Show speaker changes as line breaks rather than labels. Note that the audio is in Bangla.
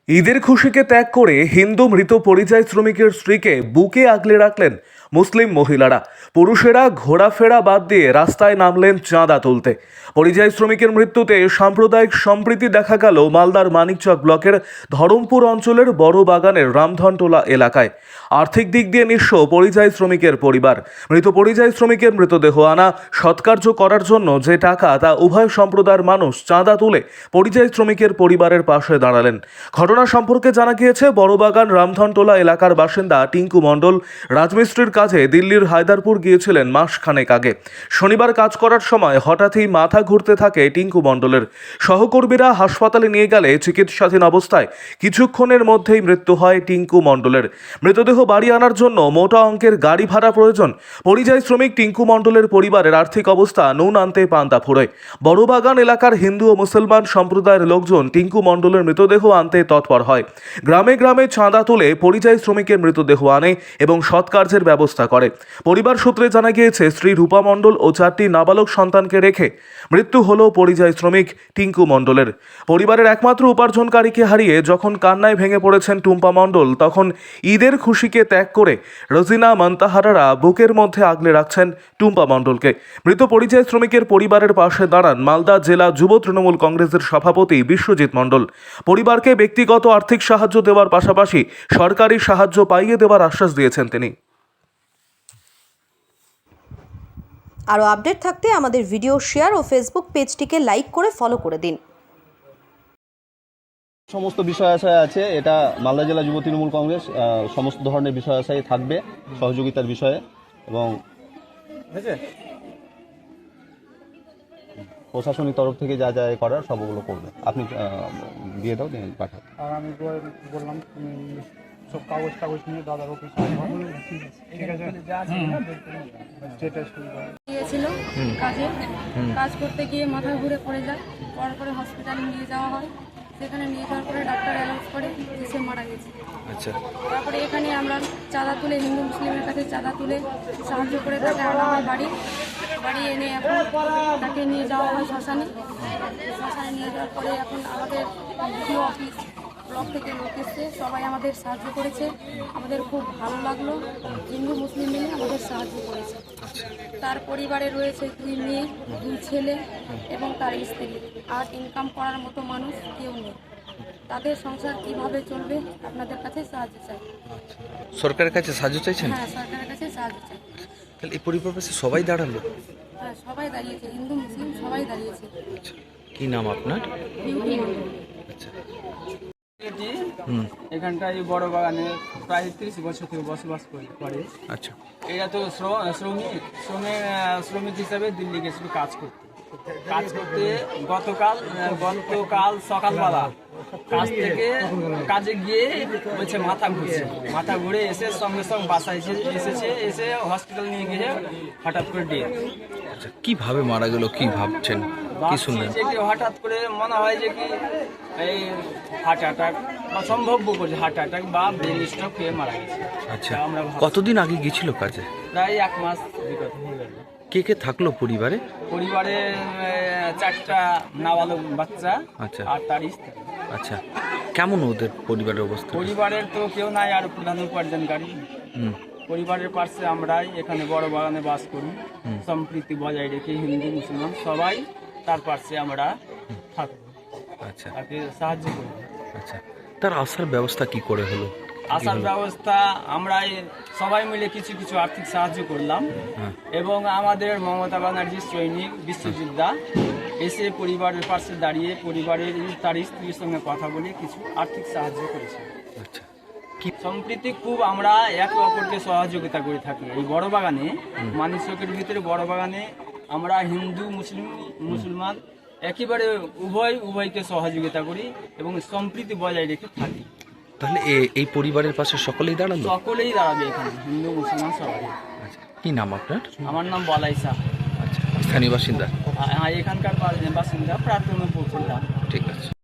ঈদের খুশিকে ত্যাগ করে হিন্দু মৃত পরিযায়ী শ্রমিকের স্ত্রীকে বুকে আগলে রাখলেন মুসলিম মহিলারা। পুরুষেরা ঘোরাফেরা বাদ দিয়ে রাস্তায় নামলেন চাঁদা তুলতে। পরিযায়ী শ্রমিকের মৃত্যুতে সাম্প্রদায়িক সম্প্রীতি দেখা গেল মালদার মানিকচক ব্লকের ধরমপুর অঞ্চলের বড় বাগানের রামধনটোলা এলাকায়। আর্থিক দিক দিয়ে নিঃস্ব পরিযায়ী শ্রমিকের পরিবার। মৃত পরিযায়ী শ্রমিকের মৃতদেহ আনা সৎকার্য করার জন্য যে টাকা তা উভয় সম্প্রদায়ের মানুষ চাঁদা তুলে পরিযায়ী শ্রমিকের পরিবারের পাশে দাঁড়ালেন। ঘটনা সম্পর্কে জানা গিয়েছে, বড়বাগান রামধনটোলা এলাকার বাসিন্দা টিঙ্কু মণ্ডল রাজমিস্ত্রির কাজে দিল্লির হায়দারপুর গিয়েছিলেন মাসখানেক আগে। শনিবার কাজ করার সময় হঠাৎই মাথা ঘুরতে থাকে টিঙ্কু মণ্ডলের। সহকর্মীরা হাসপাতালে নিয়ে গেলে চিকিৎসাধীন অবস্থায় কিছুক্ষণের মধ্যেই মৃত্যু হয় টিঙ্কু মণ্ডলের। মৃতদেহ বাড়ি আনার জন্য মোটা অঙ্কের গাড়ি ভাড়া প্রয়োজন। পরিযায়ী শ্রমিক টিঙ্কু মণ্ডলের পরিবারের আর্থিক অবস্থা নুন আনতে পান্তা ফুরোয়। বড়বাগান এলাকার হিন্দু ও মুসলমান সম্প্রদায়ের লোকজন টিঙ্কু মণ্ডলের মৃতদেহ আনতে তৎপর হয়। গ্রামে গ্রামে চাঁদা তুলে পরিযায়ী শ্রমিকের মৃতদেহ আনে এবং সৎকার্যের ব্যবস্থা করে। পরিবার সূত্রে জানা গিয়েছে, স্ত্রী রূপা মণ্ডল ও 4টি নাবালক সন্তানকে রেখে মৃত্যু হলো পরিযায়ী শ্রমিক টিঙ্কু মণ্ডলের। পরিবারের একমাত্র উপার্জনকারীকে হারিয়ে যখন কান্নায় ভেঙে পড়েছেন টুম্পা মণ্ডল, তখন ঈদের খুশিকে ত্যাগ করে রোজিনা মান্তাহারারা বুকের মধ্যে আগলে রাখছেন টুম্পা মণ্ডলকে। মৃত পরিযায়ী শ্রমিকের পরিবারের পাশে দাঁড়ান মালদা জেলা যুব তৃণমূল কংগ্রেসের সভাপতি বিশ্বজিৎ মণ্ডল। পরিবারকে ব্যক্তিগত আর্থিক সাহায্য দেওয়ার পাশাপাশি সরকারি সাহায্য পাইয়ে দেওয়ার আশ্বাস দিয়েছেন তিনি।
আরও আপডেট থাকতে আমাদের ভিডিও শেয়ার ও ফেসবুক পেজটিকে লাইক করে ফলো করে দিন।
সমস্ত বিষয় আশায় আছে, এটা মালদা জেলা যুব তৃণমূল কংগ্রেস সমস্ত ধরনের বিষয় আশায় থাকবে সহযোগিতার বিষয়ে, এবং প্রশাসনিক তরফ থেকে যা যা করার সবগুলো করবে। আপনি দিয়ে দাও, পাঠাও।
আর আমি বললাম তুমি সব কাগজ নিয়ে দাদার অফিস
গিয়েছিল কাজে, কাজ করতে গিয়ে মাথা ঘুরে পড়ে যায়। পরে হসপিটালে নিয়ে যাওয়া হয়। সেখানে নিয়ে যাওয়ার পরে ডাক্তার অ্যানাউন্স করে যে সে মারা গেছে।
আচ্ছা,
তারপরে এখানে আমরা চাঁদা তুলে, হিন্দু মুসলিমের কাছে চাঁদা তুলে সাহায্য করে তাকে আনা হয় বাড়ি এনে এখন তাকে নিয়ে যাওয়া হয় শ্মশানে নিয়ে যাওয়ার পরে এখন আমাদের ভিডিও অফিস ব্লক থেকে লোক এসছে, সবাই আমাদের সাহায্য করেছে। আমাদের খুব ভালো লাগলো, হিন্দু মুসলিম মিলে আমাদের সাহায্য করেছে। তার পরিবারে রয়েছে 2 মেয়ে 2 ছেলে এবং তার স্ত্রী, আর ইনকাম করার মতো মানুষ কেউ নেই। তাদের সংসার কিভাবে চলবে, আপনাদের কাছে সাহায্য চাই।
সরকারের কাছে সাহায্য চাইছেন?
হ্যাঁ, সরকারের কাছে সাহায্য চাই।
তাহলে এই পরিবারে সবাই দাঁড়ালো?
হ্যাঁ, সবাই দাঁড়িয়েছে, হিন্দু মুসলিম সবাই দাঁড়িয়েছে।
কি নাম আপনার?
বিউটি মণ্ডল।
আচ্ছা,
এখানটায় বড় বাগানে প্রায় 30 বছর থেকে বসবাস করে।
আচ্ছা,
এরা তো শ্রমিক হিসাবে দিল্লি গেছিল কাজ করতে। গতকাল সকালবেলা কাজে গিয়ে বলছে মাথা ঘুরে এসে সঙ্গে বাসায় এসে হসপিটাল নিয়ে গিয়ে হঠাৎ করে ডেথ।
আচ্ছা, কিভাবে মারা গেল, কি ভাবছেন, কি শুনলেন?
যে কি হঠাৎ করে মনে হয় যে কি এই হার্ট অ্যাটাক বা সম্ভাব্য করছে হার্ট অ্যাটাক বা ব্রেন স্ট্রোক হয়ে মারা গেছে।
আচ্ছা,
আমরা
কতদিন আগে গেছিল কাজে?
প্রায় 1 মাস বিগত হয়ে গেল।
কে কে থাকলো পরিবারে?
4টা নাবালক বাচ্চা,
আচ্ছা,
আর তার স্ত্রী।
আচ্ছা, কেমন ওদের পরিবারের অবস্থা?
পরিবারের তো কেউ নাই, আর প্রধান উপার্জনকারী। পরিবারের পাশে আমরাই এখানে বড় বাগানে বাস করি, সম্প্রীতি বজায় রেখে হিন্দু মুসলমান সবাই তার পাশে আমরা থাকবো।
আচ্ছা,
তাকে সাহায্য করি।
আচ্ছা, তার আসার ব্যবস্থা কি করে হলো?
আসার ব্যবস্থা আমরা সবাই মিলে কিছু আর্থিক সাহায্য করলাম, এবং আমাদের মমতা ব্যানার্জির সৈনিক বিশ্বজিৎ দা এসে পরিবারের পাশে দাঁড়িয়ে পরিবারের তার স্ত্রীর সঙ্গে কথা বলে কিছু আর্থিক সাহায্য করেছে।
আচ্ছা,
কি সম্প্রীতি খুব আমরা একে অপরকে সহযোগিতা করে থাকি। এই বড় বাগানে মানিকচকের ভিতরে বড় বাগানে আমরা হিন্দু মুসলমান একেবারে উভয়কে সহযোগিতা করি এবং সম্প্রীতি বজায় রেখে থাকি।
তাহলে এই পরিবারের পাশে সকলেই দাঁড়ালো?
সকলেই দাঁড়াবে এখানে, হিন্দু মুসলমান সবাই।
আচ্ছা, কি নাম আপনার?
আমার নাম বলাই শাহ।
আচ্ছা, স্থানীয় বাসিন্দা?
এখানকার বাসিন্দা, প্রাথমিক।
ঠিক আছে।